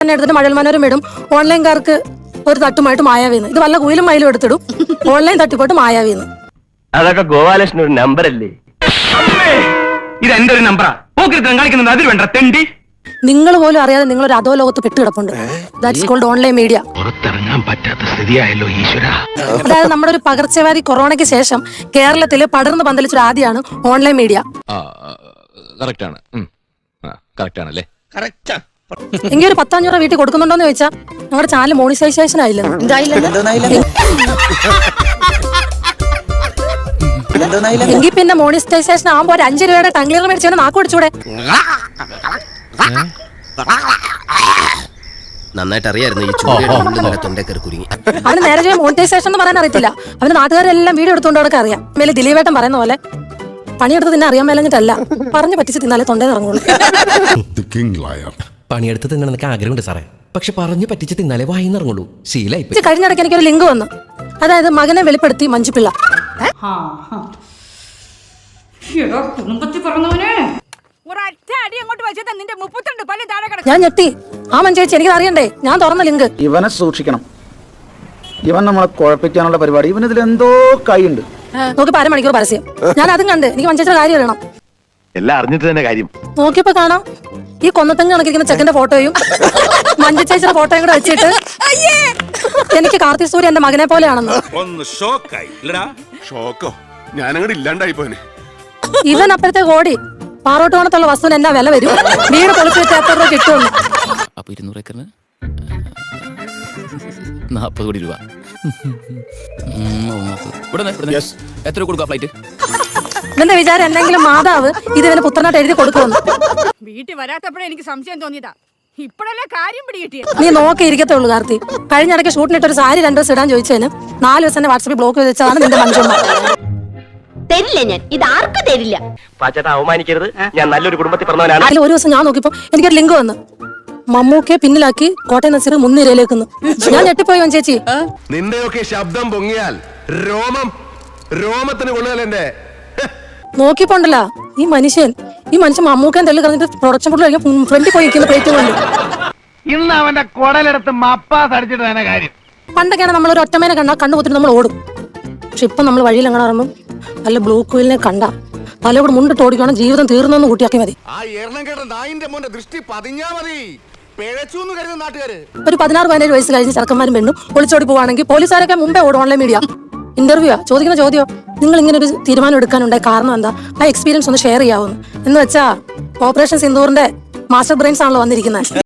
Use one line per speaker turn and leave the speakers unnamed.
തന്നെ എടുത്തിട്ട് മഴൽ മനോരം ഇടും. ഓൺലൈൻകാർക്ക് ഒരു തട്ടുമായിട്ട് മായാവീന്ന്. ഇത് വല്ല കുയിലും മയിലും എടുത്തിടും. ഓൺലൈൻ തട്ടിപ്പോട്ട് മായാവീന്ന്.
അതൊക്കെ ഗോപാലകൃഷ്ണൻ ഒരു നമ്പറല്ലേ?
ഇത് എന്റെ ഒരു നമ്പറാ. കളിക്കുന്നത് അതിൽ വേണ്ട തെണ്ടി.
നിങ്ങൾ പോലും അറിയാതെ നിങ്ങളൊരു അധോലോകത്ത് പെട്ടുകിടപ്പുണ്ട്. That's called online media.
പുറത്തിറങ്ങാൻ പറ്റാത്ത സ്ഥിതിയായല്ലോ ഈശ്വര.
അതായത് നമ്മുടെ ഒരു പകർച്ചവ്യാധി കൊറോണയ്ക്ക് ശേഷം കേരളത്തിൽ പടർന്ന് പന്തലിച്ചൊരു ആദ്യമാണ് ഓൺലൈൻ മീഡിയ. എങ്കിൽ ഒരു 10,500 വീട്ടിൽ കൊടുക്കുന്നുണ്ടോന്ന് ചോദിച്ചാൽ ഞങ്ങളുടെ ചാനൽ മോണിറ്റൈസേഷൻ ആയില്ല. എങ്കിൽ പിന്നെ മോണിറ്റൈസേഷൻ ആകുമ്പോ ഒരു 5 രൂപയുടെ ടംഗ്ലർ മേടിച്ചു നാക്ക് പിടിച്ചൂടെ?
നന്നായിട്ട് അറിയായിരുന്നു ഈ ചൂടിയുടെ തൊണ്ടേക്കറി കുരുങ്ങി.
അവന് നേരെ മോണിറ്റൈസേഷൻ എന്ന് പറയാൻ അറിയത്തില്ല. അവന് നാട്ടുകാരെല്ലാം വീഡിയോ എടുത്തുകൊണ്ട് അവർക്ക് അറിയാം. മേലെ ദിലീപേട്ടൻ പറയുന്ന പോലെ പണിയെടുത്ത് തിന്നെ അറിയാൻ മേലഞ്ഞിട്ടല്ല, പറഞ്ഞു പറ്റിച്ച് തിന്നാലേ തൊണ്ടയിൽ ഇറങ്ങുള്ളൂ.
പണിയെടുത്ത് തിന്നണമെന്നൊക്കെ ആഗ്രഹമുണ്ട് സാറേ, പക്ഷെ പറഞ്ഞു പറ്റിച്ച് തിന്നാലേ വായിന്ന് ഇറങ്ങുള്ളൂ. ശീലായി.
കഴിഞ്ഞിടയ്ക്ക് എനിക്കൊരു ലിങ്ക് വന്നു. അതായത് മകനെ വെളിപ്പെടുത്തി മഞ്ജുപിള്ള. ഞാൻ ഞെട്ടി. ആ മഞ്ജേച്ചി എനിക്ക് അറിയണ്ടേ? ഞാൻ തുറന്ന ലിങ്ക്.
ഇവനെ സൂക്ഷിക്കണം. ഇവൻ നമ്മളെ കുഴപ്പിക്കാനുള്ള പരിപാടി. ഇവനിതിൽ എന്തോ കൈയുണ്ട്.
നോക്കിപ്പോ 1/2 മണിക്കൂർ പരസ്യം. ഞാൻ അതും കണ്ട് എനിക്ക് മഞ്ജേച്ചിയുടെ കാര്യം അറിയണം.
എല്ലാം അറിഞ്ഞിട്ട് തന്നെ കാര്യം.
നോക്കിയപ്പോ കാണാം ഈ കൊന്നത്തങ്ങ് കണക്കിരിക്കുന്ന ചെക്കന്റെ ഫോട്ടോയും മഞ്ജുചേച്ചിയുടെ ഫോട്ടോയും കൂടെ വെച്ചിട്ട് എനിക്ക് കാർത്തിക് സൂര്യ എന്റെ മകനെ പോലെയാണെന്ന്. ഇവൻ അപ്പോഴത്തേക്ക് ഓടി പാറോട്ടുകോണത്തുള്ള വസ്തുവിന് എന്നാ വില വരും, വീട് പൊളിച്ചു വെച്ച് എത്ര രൂപ കിട്ടും.
അപ്പൊ 200 ഏക്കറിന് 40 കോടി രൂപ. എത്ര കൊടുക്കുക ഫ്ലൈറ്റ്?
ഇവന്റെ വിചാരം എന്തെങ്കിലും മാതാവ് ഇത് ഇവന് പുത്രനായിട്ട് എഴുതി കൊടുക്കുമെന്ന്.
വീട്ടിൽ വരാത്തപ്പോഴേ എനിക്ക് സംശയം തോന്നിയതാ. ഇപ്പോഴല്ലേ കാര്യം പിടികിട്ടിയ.
നീ നോക്കി ഇരിക്കത്തുള്ളൂ കാർത്തി. കഴിഞ്ഞ ഇടയ്ക്ക് ഷൂട്ടിനിട്ട് ഒരു സാരി 2 ദിവസം ഇടാൻ ചോദിച്ചതിന് 4 ദിവസം വാട്സാപ്പിൽ ബ്ലോക്ക് ചെയ്ത് വെച്ചതാണ് നിന്റെ മനുഷ്യന്മാർ.
തരില്ല, ഞാൻ ഇത് ആർക്കും തരില്ല.
പാച്ചേട്ടാ അവമാനിക്കരുത്, ഞാൻ നല്ലൊരു കുടുംബത്തിൽ പറഞ്ഞവനാണ്.
അതിൽ ഒരു ദിവസം ഞാൻ നോക്കിയപ്പോ എനിക്കൊരു ലിങ്ക് വന്നു. മമ്മൂക്കെ പിന്നിലാക്കി കോട്ടയം നസീർ മുൻനിരയിലേക്കുന്നു. ഞാൻ ഞെട്ടിപ്പോയി ചേച്ചി.
നിന്റെയൊക്കെ ശബ്ദം പൊങ്ങിയാൽ രോമത്തിന് കൊള്ളുകയല്ലേ.
നോക്കിപ്പോണ്ടല്ല ഈ മനുഷ്യൻ മമ്മൂക്കൻ തള്ളി കളഞ്ഞിട്ട് പ്രൊഡക്ഷൻ ഫുഡ് കഴിക്കാൻ ഫ്രണ്ടിൽ പോയി നിൽക്കുന്ന പ്ലേറ്റ് കൊണ്ട്.
ഇന്ന് അവന്റെ കുടലെടുത്ത് മപ്പാസ് അടിച്ചിട്ട് തന്നെ കാര്യം.
പണ്ടൊക്കെയാണ് നമ്മൾ ഒരു ഒറ്റമേനെ കണ്ടാൽ കണ്ണു കുത്തിട്ട് നമ്മൾ ഓടും. പക്ഷെ ഇപ്പൊ നമ്മൾ വഴിയിൽ എങ്ങനെ പറയുമ്പോൾ നല്ല ബ്ലൂ കുയിലിനെ കണ്ട തലയോട് മുണ്ടിട്ട് ഓടിക്കണം, ജീവിതം തീർന്നെന്ന് കൂട്ടിയാക്കി മതി. ഒരു 16-17 വയസ്സ് കഴിഞ്ഞ് ചെറുക്കന്മാരും പെണ്ണും ഒളിച്ചോടി പോവാണെങ്കിൽ പോലീസുകാരൊക്കെ മുമ്പേ ഓടും. ഓൺലൈൻ മീഡിയ ഇന്റർവ്യൂ ചോദിക്കുന്ന ചോദ്യം, നിങ്ങൾ ഇങ്ങനെ ഒരു തീരുമാനം എടുക്കാനുണ്ടായ കാരണം എന്താ? ആ എക്സ്പീരിയൻസ് ഒന്ന് ഷെയർ ചെയ്യാവുന്നു എന്ന് വെച്ചാ ഓപ്പറേഷൻ സിന്ദൂറിന്റെ മാസ്റ്റർ ബ്രെയിൻസ് ആണല്ലോ വന്നിരിക്കുന്നത്.